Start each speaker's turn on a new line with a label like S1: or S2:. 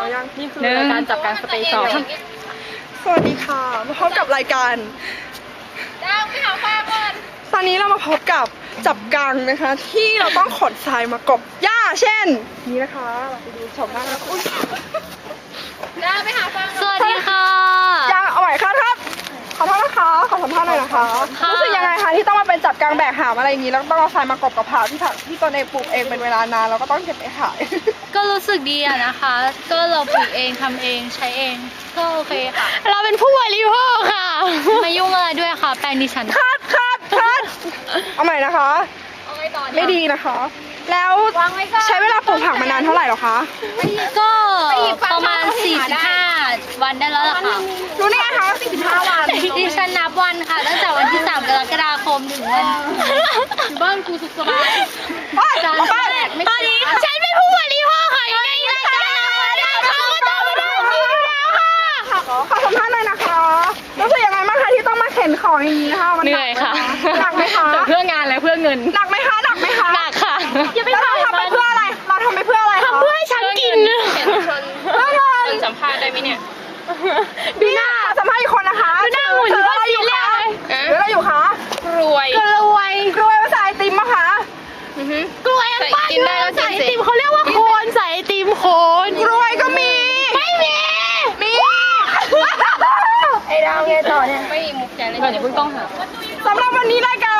S1: ยังนี่คือรายการจับการสเตย์สองสวัสดีค่ะมาพบกับรายการดาวไปหาฟ้าก่อนตอนนี้เรามาพบกับจับกังนะคะที่เราต้องขนทรายมากบหญ้าเช่นนี้นะคะเราไปดูชมบ้างนะอุ้ยดาวไปหาฟ้า
S2: สวัสดีค่ะ
S1: ยังเอาใหม่ครับขอโทษนะคะขอสัมภาษณ์หน่อยนะคะรู้สึกยังไงคะที่ต้องมาเป็นจับกังแบกหามอะไรอย่างนี้แล้วต้องเอาทรายมากบกับผักที่ตนเองปลูกเองเป็นเวลานานแล้วก็ต้องเก็บไปขาย
S2: ก็รู้สึกดีอะนะคะก็เราปลูกเองทำเองใช้เองก็โอเคค่ะเราเป็นผู้บริโภคค่ะไม่ยุ่งอะไรด้วยค่ะแปลงดิฉัน
S1: คัดเอาใหม่นะคะไม่ดีนะคะแล้วใช้เวลาปลูกผักมานานเท่าไหร่หรอคะ
S2: ก็ประมาณ45 วันได้แล้วล่ะค่ะ
S1: รู้ได้ไงคะ45 วัน
S2: ดิฉันนับวันค่ะตั้งแต่วันที่3 กรกฎาคมถึงวันอยู่บ้านกูสุขสบายตอนนี้ฉันเป็นผู้บริโภคค่ะในรายการเขาก็ต้องมาได้จริงแล้วค่ะ
S1: ขอสัมภาษณ์หน่อยนะคะรู้สึกยังไงบ้างคะที่ต้องมาเข็นของอย่างนี้นะคะ
S2: เหนื่อยค่ะ
S1: หนักไหมคะ
S2: เพื่องานและเพื่อเงิน
S1: หนักไหมคะหนัก
S2: ค่ะ
S1: แล้วเราทำไปเพื่ออะไรเราทำไปเพื่ออะไรคะ
S2: ทำเพื่อให้ฉันกิน
S1: เพื่อเงิน
S2: สัมภาษณ์ได้ไหมเนี่ย
S1: ดูหน้าสัมภาษณ์อีกคนนะคะ
S2: ดูหน้าหุ่นดูว่าซีเรียสเลย
S1: หรืออะไรอยู่คะ
S2: รวย
S1: ภาษาไอติมมะคะ
S2: กล้วยอันป้ากินได้แล้วใส่ไอติมเขาเรียกว่าโคนใส่ไอติมโคน
S1: กล้วยก็มี
S2: ไม่มี
S1: ไอ้ดาวไงต่อเนี่ย
S2: ไม่มีมุกใจเลยก่อนอย่าเพิ่งต้องหา
S1: สำหรับวันนี้รายการ